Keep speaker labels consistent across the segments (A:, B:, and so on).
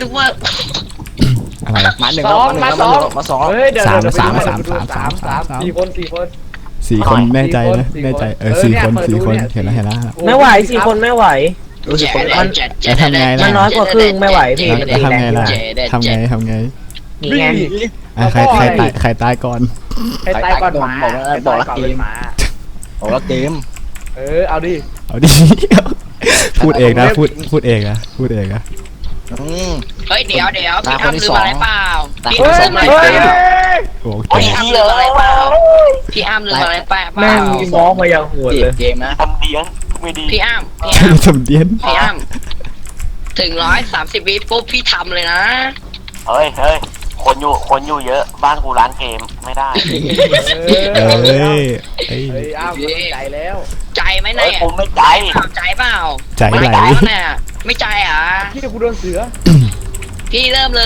A: นึกว่า
B: อะไร
C: มาหนึ่ง
D: สอง
C: มา
D: สอง
C: มาสอง
D: เฮ้ยเดี๋ยว
B: สาม
D: เดี๋ยว
B: สาม
D: ไปดู
B: สาม
D: ไปดู
B: สามสาม
D: สี่คน
B: สี่คนแน่ใจนะแน่ใจสี่คนสี่คนเห็นแล้วเห็นแล้ว
E: ไม่ไหว4 คนไม่ไหว
C: รู้สึกคน
B: แล้วทำไงล่ะ
E: มันน้อยกว่าครึ่งไม่ไหวพี่
B: แล้วทำไงล่ะทำไง
E: นี่ไง
B: ใครตายก่อน
D: ใครตายก่อนหมา
C: บอกละ
D: ใคร
C: เก
D: ตาย
C: ม
D: หมา
C: บอกละเกม
D: เอาดิ
B: เอาดิพูดเองนะพูดเองนะพูดเองนะ
A: เฮ้ยเดี๋ยวพี่อ้ำลืมอะไรเปล่าพี่
D: เฮ้ย
A: อ้ำลืมอะไร
D: เฮ้ย
A: เปล่า
B: โอ้โห
A: พี่อ้ำลืมอะไรเปล่าพี่อ้ำลืมอะไรเปล่า
E: แม่งง้อมาอย่างโหด
C: จี
E: เล
C: บ
E: ย
C: เกมนะ
F: ทำเดียงไม่ดี
A: พี่อ้ำ
B: สมเดียน
A: พี่อ้ำถึง130 วิปุ๊บพี่ทำเลยนะ
F: เฮ้ยคนอยู่เยอะบ้านกูร้านเกมไม่ได้
B: เอ้ย
D: เฮ้ยอ้าวใจแล้ว
A: ใจไหม
F: เฮ้ย
A: เนี่ย
F: กูไม่ใจ
A: ใจเปล่า
B: ใจไหล
A: ไม่ใจวะเนี่ยไม่ใจอ่ะ
D: พี่กูโดนเสือ
A: พี่เริ่มเลย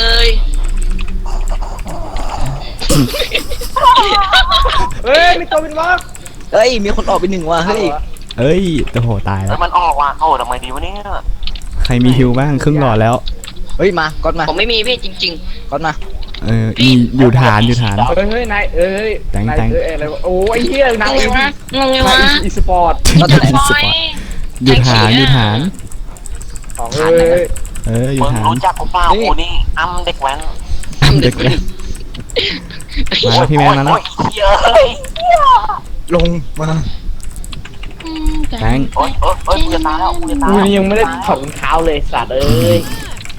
D: เฮ้ยมีตัวเป็นวอก
C: เฮ้ยมีคนออกไปหนึ่งว่ะเฮ้ย
B: เอ้ยโอ้โหตายแล้
F: แล้ว วมันออกว่ะโอ้ทำไมดีวะเนี่ย
B: ใครมีฮิวบ้างครึ่งหลอดแล้ว
C: เฮ้ยมาก๊อตมา
A: ผมไม่มีพี่จริง
C: ก๊อตมา
B: อยู่ฐาน
D: เฮ้ยนายเอ้ย
B: แต่ง
D: นายอะไรวะโอ้ยเฮีย
A: ๆ
D: นาย
A: งงวะงงวะ
D: อีสปอร์ต
C: ก๊อตไหน
A: ฟอย
B: อยู่ฐาน
D: ของเฮ้ย
B: อยู่
F: มึง
B: ฐาน
F: รู้จักกูเปล่ากูนี่อ้ำเด็กแว้น
B: เด็กเลยมาพี่แมนมาแล้ว
F: เฮ้ย
C: ลงมา
B: แบงค์
F: โอ้ยกูจะตายแล้วกูจะตาย
D: กูยังไม่ได้ถอดรองเท้าเลยสัตว์เอ้ย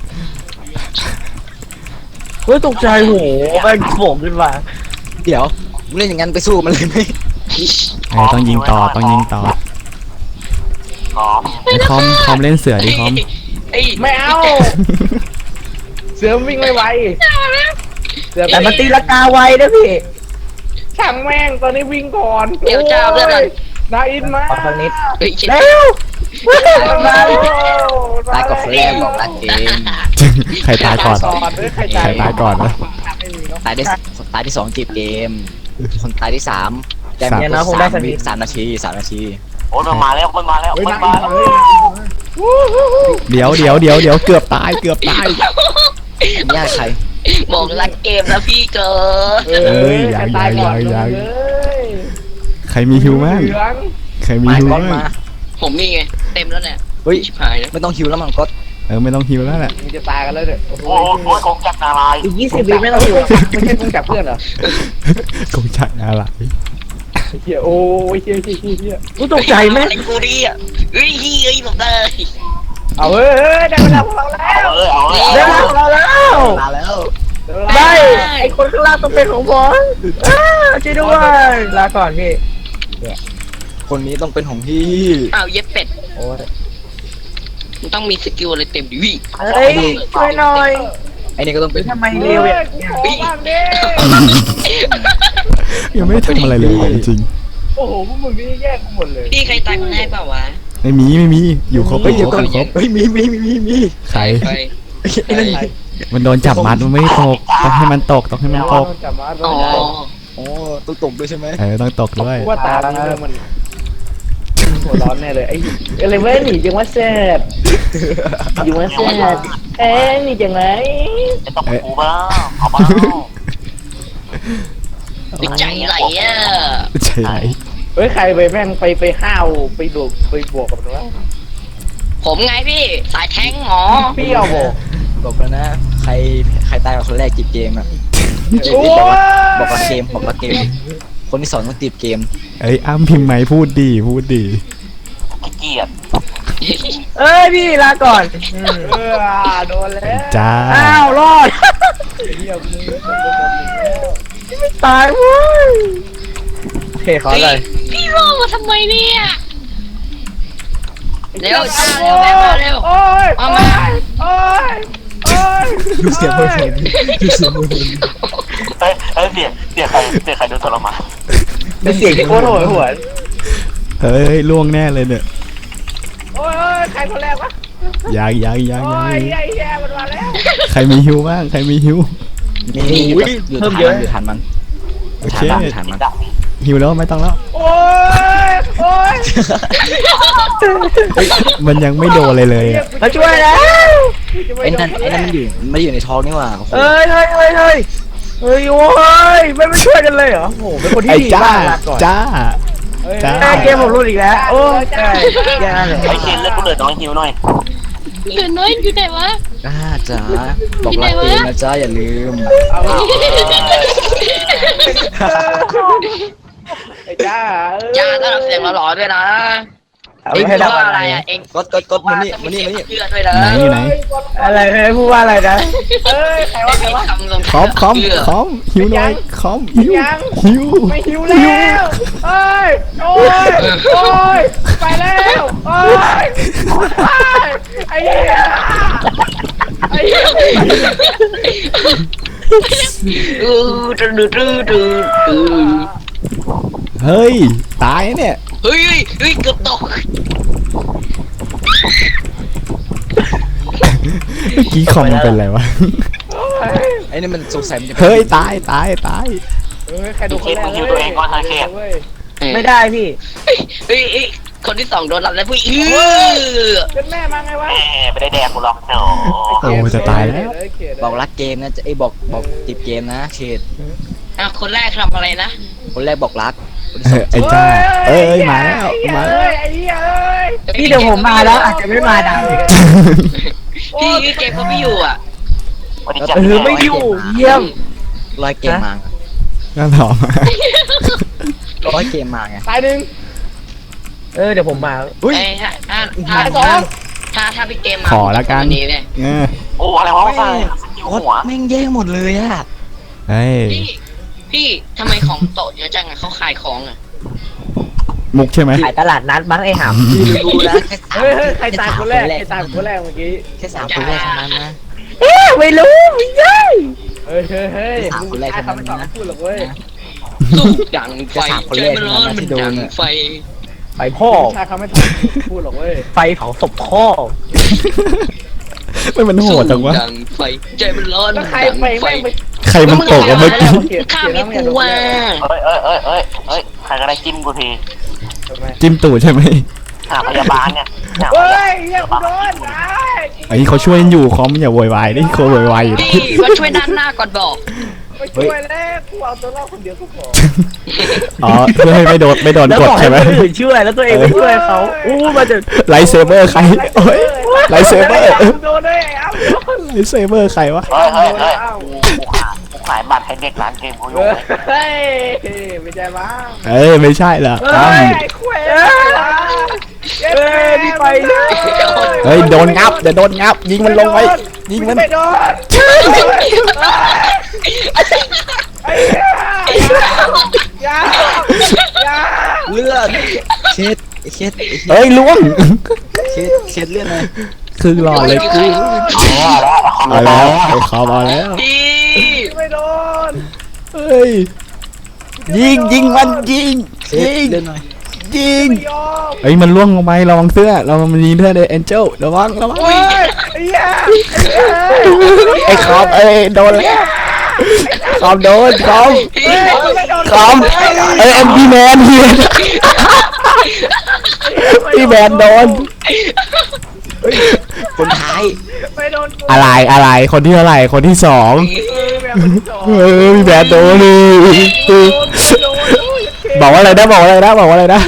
E: เฮ้ยตกใจโหแม่งโผล่ขึ้นมา
C: เดี๋ยวมึงเล่นอย่างนั้นไปสู้มันเลยไหม
B: ต้องยิงต่อ
F: อ๋อ
B: ไอ้คอมเล่นเสือดิคอม
D: ไม่เอาเสือวิ่งไม่ไวเสือ
E: แต่มันตีลังกาไวนะพี่
D: ช่างแม่งตอนนี้วิ่งก่อน
A: เดี๋ยวเจ้าเลือดมัน
D: นาอินมา
E: ขอสักนิด
A: เฮ้ยชิบ
E: เร็ว
C: ตายก่อนคนแรกบอกละเกม
B: ใครตายก่อน
D: ใคร
B: ใครตายก่อนนะ
D: ไม่มีเนาะ
C: ตายที่สองจีบเกมคนตายที่สามแจม
E: เนี่ยนะคงได้สักนิด
C: 3 นาที3 นาที
F: โอ้ยมันมาแล้ว
D: เฮ้ย
F: มัน
D: นา
F: มา
D: อิน
F: แล้ว
D: เฮ้ย
B: เดี๋ยวเกือบตาย
C: ญาติใคร
A: บอกรักเกมแล้วพี่เกิด
B: เอ้ยยัง
D: ตายก่อน
B: ยัง
D: เลย
B: ใครมีฮิวบ้าง
D: เหลือง
B: ใครมี
C: มา
B: ฮิว
C: ก๊อต
B: บ้าง
C: มา
A: ผมมีไงเต็มแล้วเนี่ย
C: เฮ้ย
A: ชิบหายแล้ว
C: ไม่ต้องฮิวแล้วมั้งก๊อต
B: ไม่ต้องฮิวแล้วแหละ
D: มึงจะตายกันแล้วเนี่ยโอ้โห
F: โอ้ยคงจักรนาราย
E: อีก20 วิไม่ต้องอยู่
D: ไม่ใช่มึงจับเพื่อนเหรอก
B: งจักรอะไร
D: เฮียโอ้ยเฮีย
E: กูตกใจแม่ง
A: อะไรกูดิอ่ะเฮ้ยผมได้
D: เอาเฮ้ยได้เวลาพวกเราแล้ว
F: เอาเลย
E: เร็วเราแล้ว
C: มาแล้ว
E: ได้ไอคนข้างล่างต้องเป็นของผมช่วยด้วยลาก่อนพี่
C: คนนี้ต้องเป็นของพี่
A: อ้าวเย็บเป็ด
E: โอ้ย
A: มันต้องมีสกิลอะไรเต็มดิวิ
E: เฮ้ยช่วยหน่อย
C: ไอ้นี่ก็ต้องเป็น
E: ทำไมเร็วอย่างเงี้ย
D: โอ้บ้างดิ
B: ยังไม่ได้ทำอะไรเลยจริง
D: โอ้โหพวกมึงนี่แย่กูหมดเลย
A: พี่ใครตายคนแรกเปล่าวะ
B: ไม่มีอยู่ครบ
C: เฮ้ย
B: ค
C: เดี๋ยว
B: ร
C: ก่อน
B: บ
C: เฮ้ยมี
B: ใคร
A: ใคร
C: ไอ้นั่น
B: มันโดนจับมัดมันไม่ตกต้องให้มันตก
D: จับมา
A: อ๋อ
C: โอ้ต้องตกด้วยใช่ไหม
B: ต้องตกด้วย
D: ว่าตามันหัวร้อนแน่เลยไอ้อะไรเว้ยหนีจังว่าแซ่บ
E: อยู่มาเสียเอ๊ะนี่จังไร
F: จะต้องกูบ้างเอาบ้าง
A: ใจไหลอ่ะ
B: ใช่ไหม
D: เฮ้ยใครไปแม่งไปห้าวไปดูไปบวกกับมันวะ
A: ผมไงพี่สายแท้งหมอ
D: พี่เอาบอก
C: บอกแล้วนะใครตายกับคนแรกจีบเกมอะ
D: โอ้ย
C: บอกละเกมคนที่สองต้องจีบเกม
B: อ้ำพิมพ์ไหมพูดดี
F: เกลียด
E: เอ้ยพี่ลาก่อน
D: โดนแล้ว
B: จ้า
E: อ้าวรอด
D: เฮียมึง
E: ตายเว้ยเฮ้ยเขาเลย
A: พี่รอมาทำไมเนี่ยเร็วจ้าเร็วแม่มาเร็ว
D: โอ้ย
A: เอามา
D: โอ้ยโอ้ย
C: ดูเสียงมือเพลงดูเสียงมือเพลง
F: เฮ้ยเสียใครโดนทรมาน
D: เป็นเสียงที่โคตรโหดหวน
B: เฮ้ยล่วงแน่เลยเนี่ย
D: โอ้ยใครคนแรกวะ
B: ยัง
D: โอ้ยเฮียมันมาแล้ว
B: ใครมีฮิวบ้าง
C: มีอยู่ทันมัน
B: โอเค
C: ทันมัน
F: ดัก
B: หิวแล้วไม่ต้องแล้ว
D: โอ้ยโอ้ย
B: มันยังไม่โดนเลยอ่ะ
E: มาช่วยแล้ว
C: ไอ้นั่นมันอยู่ไม่ได้อยู่ในท้องนี่หว่าโอ้โห
E: เฮ้ยโอ้ยไม่ช่วยกันเลยเหรอโอ้โหเป็นคนที่
B: ไอ้
E: ดี
B: จ้าม
E: ากลาก่อน
B: จ้า จ้า
E: เกมผมรู้อีกแล้วโอ้ยแย่เลย
F: ไอ้เคนเลือกกูเหลือน้องหิวหน่อย
A: เหลือน้อยอยู่ไหนวะ
C: จ้าจ๋าบอกรักเกมนะจ้าอย่าลืม
D: ไอ้จ้า
A: จ้าต้อนรับเสียงหล่อๆด้วยนะ
E: เอา
A: เอ็ง
E: ให้
A: พูด
E: ได้
A: ว่าอะไรอ่ะเอ็ง
C: กดมานี่มานี่
A: เชื่อด้วยนะ
B: ไหนอยู่ไหน
E: อะไรพูดว่าอะไรนะ
D: เอ้ยใครวะใครวะ
A: คำลง
B: คอมคอมคอมหิวหน่อยคอมหิว
D: ยัง
B: หิว
D: ไม่หิวแล้วเอ้ยโอ้ยโอ้ยไปแล้วโอ้ยไอ้เหี้ยไอ้เหี้ย
A: ดู
B: เฮ้ยตายเนี่ย
A: เฮ้ยเกือบตก
B: เมื่อกี้คอมมันเป็นอะไรวะ
C: ไอ้นี่มันสงสัยมันจะ
B: เฮ้ยตาย
D: เฮ้ยใครดูคนแรกเว้ย
E: ไม่ได้พี่
A: เฮ้ยคนที่สองโดนรับแล้วผู้หญิง
D: เป็นแม่มาไงวะ
F: แหมไม่ได้แดกกูหรอกเนาะ
B: โอ้จะตายแล้ว
C: บอกรักเกมนะไอ้บอกติดเกมนะเขต
A: คนแรกทำอะไรนะ
C: คนแรกบอกรักคนที่สอง
B: ไอ้จ้าเอ้ยมาแล้วมาแล้ว
D: ไอ้เหี้ยเอ้ย
E: พี่เดี๋ยวผมมาแล้วอาจจะไม่มาดัง
A: พี่เกมเขาไม่อยู่อ่ะ
F: วันนี้จะ
E: ไม่อยู่เยี่ยม
C: ร้อยเกมมา
B: น่าถอม
C: ร้อยเกมมาไง
D: ตายหนึ่ง
E: เดี๋ยวผมมา
C: อุ้ย
A: ถ้าพี่เกมมา
B: ขอละกัน
A: นี้เลย
F: โอ้อะไรวะไม่ใช่อยู่
C: โคตร
F: หัว
C: แม่งแย่งหมดเลยอะ
B: เฮ้ย
A: พี่ทำไมของโตเยอะจังอะเขาขายของอ่ะ
B: มุกใช่ไหม
E: ขายตลาดนัดมั้งไอ้หำ
C: พี่ดูนะแค่สาม
D: เฮ้ยใครตายคนแรกใครตายคนแรกเมื่อกี้
C: แค่สามคนแรกเท่านั้นนะ
E: ไม่รู้ไม่ใช่
D: เฮ้ยมึงไม่ต้องพูดหรอกเว้ย
A: สู้ดังไฟใจมันร้อนมันดังไฟ
E: ไปพ่อ
D: ชายเขาไม่พูดหรอกเว้ย
E: ไฟเผาศพพ่อ
B: ไม่มันโหดจังวะ
A: ดังไฟใจมันร้อน
D: แล้วใคร
A: ดัง
D: ไป
A: ไฟ
D: แม่งไป
B: ใครมันตกอะเมื่อกี้
A: ข้าไม่กลัว
F: เฮ้ยใครก็ได้จิ้มกูที
B: จิ้มตูดใช่ไหม
F: หาพยาบาลเนี่ย
D: เฮ้ยเหี้ยกูโดนไอ้
B: ไอ้เขาช่วยอยู่คอมอย่าโวยวายนี่เขาโวยวายอยู่
A: พี่มาช่วยด้านหน้าก่อนบอก
D: ไปช่วยแล้วกูเอาตัวรอดคนเดียวก็พอ
B: อ๋อเพื่อให้ไม่โดน
E: แล้ว
B: กด
E: บอกให้
B: ใช่ไหม
E: คนอื่นช่วยแล้วตัวเองไม่ช่วยเขามาจะ
B: ไลท์เซเบอร์ใครโอ้ยไลท์เซเบอร์
D: โดนเลยไอ้อ้ำ
B: ไลท์เซเบอร์ใครวะ
F: เฮ้ยกูขายบัตรให้เด็กร้านเกมกูอยู่
D: เฮ้ยไม่ใช่บ้าง
B: เอ้ยไม่ใช่เหรอ
D: เฮ้ยไอ้คุยพี่ไป
B: เฮ้ยโดนงับเดี๋ยวโดนงับ ยิงมันลงไปยิงมัน
D: ไม่โดนไอ้ยา
C: เลือดเช็ดเช็ด
B: เฮ้ยล่วง
C: เช็ดเลือดเลย
B: คือหลอดเลยกูเอาแล้วไอ้คอมเอาแล้ว
A: พี่
D: ไม่โดน
B: เฮ้ยยิงมันยิง
C: เช็ดเลือดหน่อย
B: ยิง
D: ไม่ยอม
B: เฮ้ยมันล่วงลงไประวังเสื้อเรามันมีเสื้อเลยแองเจิลระวัง
D: เฮ้ยไอ้ยา
B: ไอ้คอมเอ้ยโดนแล้วคอมโดนคอม
A: พี่
B: คอมเอ้ยพี่แมนพี่แมนโดน
C: คนท้าย
D: ไม่โดน
B: อะไรคนที่เท่าไหร่คนที่สองพี่แมนโดนเลยบอกว่าอะไรนะบอกว่าอะไรนะ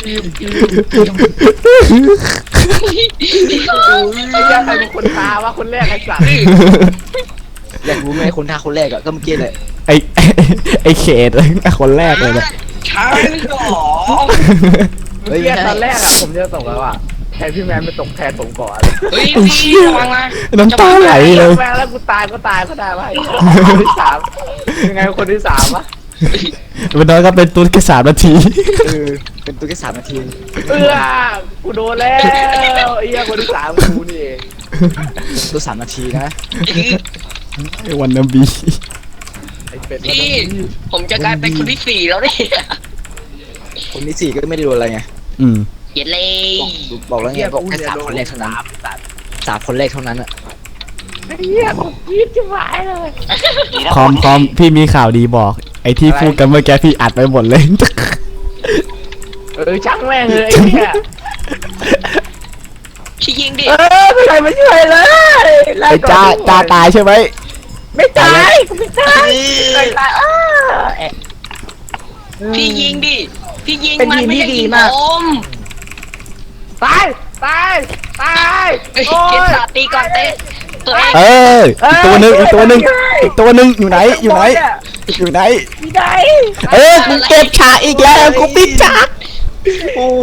D: ไอ้ยาใครเป็นคนพาวะคนแรกไอ้สัตว์
C: อยากรู้ไหมคนท้าคนแรกอะก็เมื่อกี้เลย
B: ไอเขตคนแรกเลยเนี่ย
A: ใช่หรอ
D: เมื่อกี้ตอนแรกอะผมจะตกแล้วอะแทนพี่แมนไปตกแทนผมก่อน
A: เฮ้ยพี่ระวังนะ
B: น้ำตาไหลเลย
D: แมนแล้วกูตายก็ได้วะคนที่สามยังไงคนที่สามวะ
B: มันน้อยก็เป็นตุ๊ดแค่3 นาที
C: เป็นตัวแค่3 นาที
D: กูโดนแล้วไอ้เหี้ยคนที่สามกูนี่เอง
C: ตัว3 นาทีนะ
B: ไอ้วันนาบี
D: ไอ้เป็ด
A: พี่ผมจะกลายเป็นคนที่สี่แล้วเนี่ย
C: คนที่4ก็ไม่ได้โดนอะไรไง
A: เย็นเลย
C: บอกแล้วไงบอกแค่3 คนแรกเท่านั้น3 คนแรกเท่านั้นอะ
D: ไอ้เหี้ยกูกรี๊ดจะหายเลย
B: คอมพี่มีข่าวดีบอกไอ้ที่พูดกันเมื่อกี้พี่อัดไปหมดเลย
D: ช่างแม่งเลยไอ้เนี่ย
A: พี่ยิงดิ
E: ไม่ใครมาช่วยเลยลา
B: ไอ้
E: ก่อน
B: จ้าตายใช่ไหม
E: ไม่ตายกูไม่ตายไม่ตาย
A: พี่ยิงดิพี่ยิง
E: เป็น
A: มัน
E: ทีม
A: ไม่
E: ที่
A: ใช่
E: ดี
A: ยิง
E: มาก
A: ผม
D: ตายตายตาย
A: เฮ้ย
D: โอ้
A: เก
D: ย
A: ตาตีก่อนเตะตัวเอง
B: เอออีกตัวหนึ่งอีกตัวหนึ่งอีกตัวหนึ่งอยู่ไหนอยู่ไหนอยู่ไหน
E: ไม่ได้
B: กูเก็บฉากอีกแล้วกูปิดฉาก
E: โอ้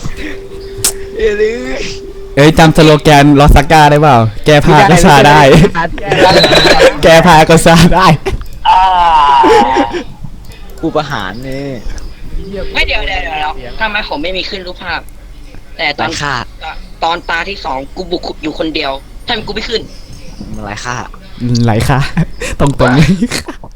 E: ย
B: เอ้ยจำสโลแกนลอสก้าได้เปล่าแก้ผ้าก็ซาได้ แก้ผ้าก็ซาได้
F: อ่า
C: กูประหารนี่
A: ไม่เดี๋ยวทำไมผมไม่มีขึ้นรูปภาพ แต่ต
C: ไร้
A: อน
C: ค่า
A: ตอนตาที่2กูบุกอยู่คนเดียวทำไมกูไม่ขึ้น
C: มันไร้ค่า
B: ไหลค่ะตรงๆเลย